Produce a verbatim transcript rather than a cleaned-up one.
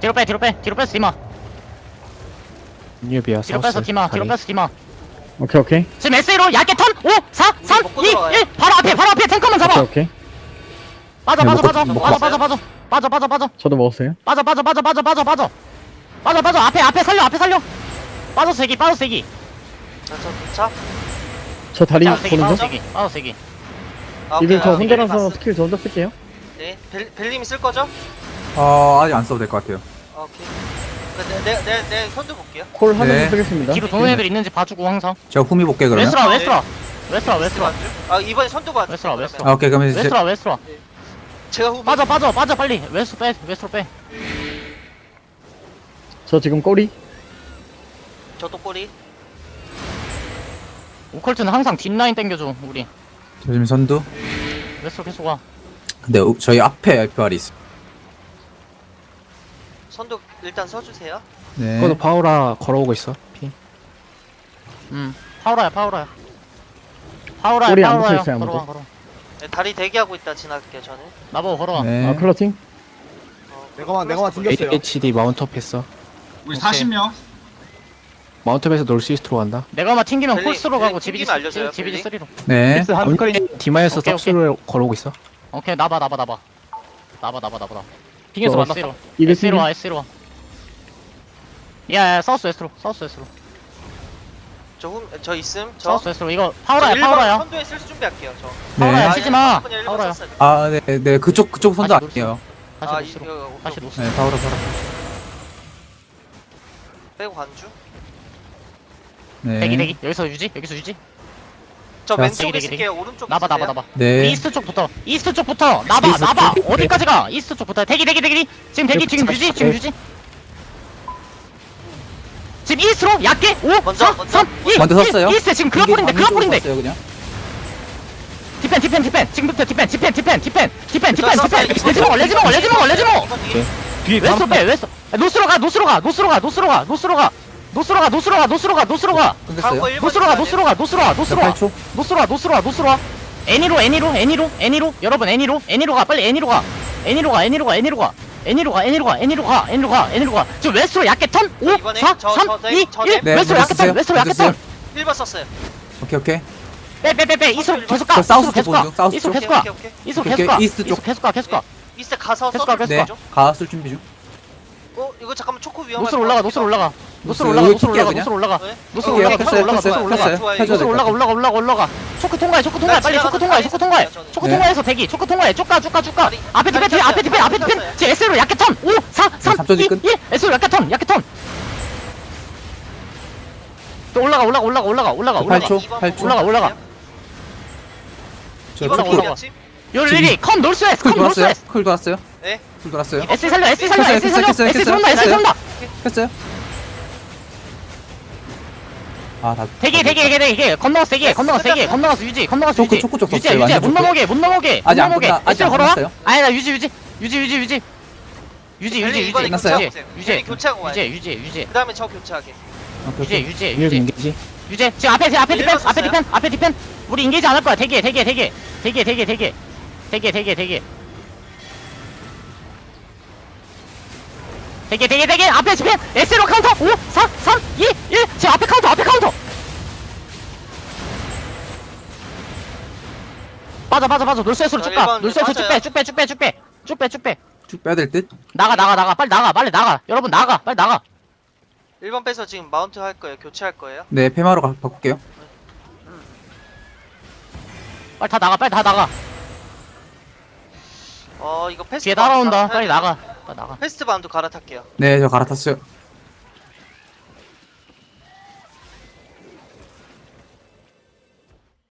뒤로 빼 뒤로 빼 뒤로 뺐어 디마. 뉴비야 뒤로 뺐어 디마. 뒤로 뺐어 디마. 오케이 오케이 지금 에스에이로 얇게 턴 오 사 삼 먹고 이 들어가요. 일 바로 앞에 바로 앞에 탱커만 잡아. 오케이 오케이 빠져 네, 빠져 먹고- 빠져 먹고 빠져 왔어요. 빠져 빠져 빠져 빠져 빠져 저도 먹었어요. 빠져 빠져 빠져 빠져 빠져 빠져 빠져 빠져 앞에 앞에 살려 앞에 살려. 빠져 세기 빠져 세기 자저 도착. 저 다리 빠져 세기 보는 빠져 중. 세기 빠져 세기. 아, 이들 오케이. 저 아, 혼자라서 봤어. 스킬 저 혼자 쓸게요. 네. 벨 벨님이 쓸 거죠? 어 아직 안 써도 될 것 같아요. 아, 오케이. 내내내 선두 볼게요. 콜 하면서 네. 쓰겠습니다. 뒤로 도는 애들 있는지 봐주고 항상. 제가 후미 볼게 그러면. 웨스트라 네. 웨스트라 웨스트라 웨스트라 아 이번에 선두 봐. 웨스트라 웨스트라 아 오케이 그러면 이제 웨스트라 웨스트라. 제가 후보. 빠져 빠져 빠져 빨리 웨스트로 빼 웨스트로 빼. 저 지금 꼬리. 저도 꼬리. 오컬트는 항상 뒷라인 땡겨줘 우리. 저 지금 선두. 웨스트로 계속 와. 근데 우- 저희 앞에 에프알이 있어. 선두 일단 서주세요. 네. 그것도 파우라 걸어오고 있어 피. 음 파우라야 파우라야. 파우라야 꼬리 안 파우라야. 붙어있어요, 아무도. 걸어와 걸어와. 네, 다리 대기하고 있다 지나갈게요 저는. 나보고 걸어와. 네. 아 클러팅. 어, 내가만 내가만 플러스 튕겼어요. 에이치디 마운트업 했어. 우리 오케이. 사십 명. 마운트업에서 놀스이스트로 간다. 내가 아마 튕기면 벨리, 콜스로 벨리 가고 지비지 튕기면 알려줘요, 지비지 벨리. 쓰리로. 네. 디마에서 오케이, 섭스로 걸어오고 있어. 오케이 나봐 나봐 나봐. 나봐 나봐 나봐 나. 튕겨서 저 만났어. 이들 S로 튕김. 와 S로 와. 야야 사우스 웨스트로 사우스 웨스트로 저, 후, 저 있음. 저. 사우스 웨스트로 이거 저 파우라야 일 번 파우라야. 선두에 쓸 준비할게요 저. 파우라야 네. 치지 마. 일 번 파우라야. 썼어요. 아, 네, 네, 그쪽 그쪽 선도 다시 아니에요. 다시 아, 노스로. 이거 다시 노스. 네, 파우라 파우라. 빼고 관주. 네. 대기 대기 여기서 유지 여기서 유지. 저 자, 왼쪽에 대기, 대기, 있을게요. 오른쪽 나봐 나봐 있을게요. 나봐. 네. 이스트 쪽부터 이스트 쪽부터 나봐 이스트 나봐 쪽? 어디까지 가 이스트 쪽부터 대기 대기 대기 지금 대기 지금 유지 지금 유지. 지금 이스트로 얕게 오 먼저, 사 먼저. 삼 이 먼저 섰어요? 이스트 지금 클라폴인데 이게 방금 클라폴인데. 섰어요, 그냥. 디펜 디펜 디펜 지금부터 디펜 디펜 디펜 디펜 디펜 디펜 저 디펜 썼어요. 레지몽 레지몽 레지몽 레지몽. 이번 뒤에. 뒤에 웨스트 빼 웨스트 노스로 가 노스로 가 노스로 가 노스로 가 노스로 가 노스로 가 노스로 가 노스로 가 노스로 가 끊겼어요. 다음 거 일 번 노스로 가 줘야 노스로 가 노스로 가 노스로 가 팔 초. 노스로 가 노스로 가 노스로 가 애니로 애니로 애니로 애니로 여러분 애니로 애니로 가 빨리 애니로 가 애니로 가 애니로 가 애니로 가 애니로 가 애니로 가 애니로 가 애니로 가 애니로 가 지금 웨스트로 얕게 턴 오 이번에 사 저- 삼 저- 이 저- 일 네, 웨스트로 얕게 먼저 턴 웨스트로 얕게 쓰세요. 일 번 썼어요. 오케이 오케이. 턴빼빼 빼 빼 이스로 계속 가 저 사우스 계속 쪽 가 보는 중, 사우스 이스로 쪽. 계속 가 오케이, 오케이, 오케이. 이스로 오케이, 계속 가 오케이. 이스트 이스로 쪽. 계속 가 계속 가 이스트 가서 계속 가, 서브 계속 네. 죠 가쓸 준비 중. 어 이거 잠깐만 초코 위험할 노스로 것 올라가 같기도 노스로 올라가 노스로 노스, 올라가 여기 노스로 킬게요, 올라가 노스로 올라가 네? 노스로 어, 올라가 오케이, 노스로 올라가 켰어요, 노스로 올라가 켰어요. 좋아요, 켜줘야 노스로 돼. 올라가 올라가 올라가 올라가 초크 통과해 초크 통과해 빨리 초크 통과해 초크 통과해 초크 네. 통과해서 대기 초크 통과해 쭉가 쭉가 쭉가 다리, 앞에 디펜 다리 앞에 디펜 앞에 켰어요. 디펜 제 S로 약게 턴 오 사 삼 삼 초 이 뒤 끝. 일 S로 약게 턴 약게 턴또 올라가 올라가 올라가 올라가 올라가 팔 올라가 초, 이번 팔 초. 올라가 올라가 저 이번 올라가, 초코. 올라가. 집 요리리 컴 놀스웨스 쿨 컴 돌았어요. 놀스웨스 쿨 돌았어요. 네. 쿨 돌았어요. S 살려 S 살려 켰어요, S 살려 켰어요, S 켰어요, 쏜다 S 켰어요. 쏜다 했어요. 아, 다. 대기 대기 대기 대기 건너가서 대기 건너가서 대기 건너가서 유지 건너가서 초크, 유지 초크 쪽 유지 썼어요, 유지 완전 못 초크. 넘어게 못 넘어게 못 아직 안 넘어게 끝나- 아직 S로 안 걸어와 끝났어요? 아니 나 유지 유지 유지 유지 유지 유지 유지 벨리 유지 이번에 끝났어요? 교체하고 유지 오세요. 유지 벨리 교체하고 와요. 유지 유지 유지 그 다음에 저 교체하게. 유지 유지 유비 유지 인게지. 유지 지금 앞에 지금 앞에 일 디펜 번 앞에 썼어요? 디펜 앞에 디펜 우리 인게이지 안 할 거야 대기 대기 대기 대기 대기 대기 대기 대기 대기 대기 대기 대기 앞에 디펜 S로 카운터 오 사 삼 이 일 지금 앞에 카운터 앞에 카운터 빠져 빠져 빠져 놀쇠스로 저 쭉가 일 번 놀쇠스로 빠져요. 쭉빼쭉빼쭉빼쭉빼쭉빼쭉빼 쭉 빼야 될 듯. 나가 나가 나가 빨리 나가 빨리 나가 여러분 나가 빨리 나가 일 번 빼서 지금 마운트 할 거예요. 교체할 거예요. 네, 페마로 가, 바꿀게요. 빨리 다 나가 빨리 다 나가 어 이거 패스트 뒤에 바운드 따라온다 갈아타야 빨리 돼요. 나가 빨리 나가 패스트 바운드 갈아탈게요. 네, 저 갈아탔어요.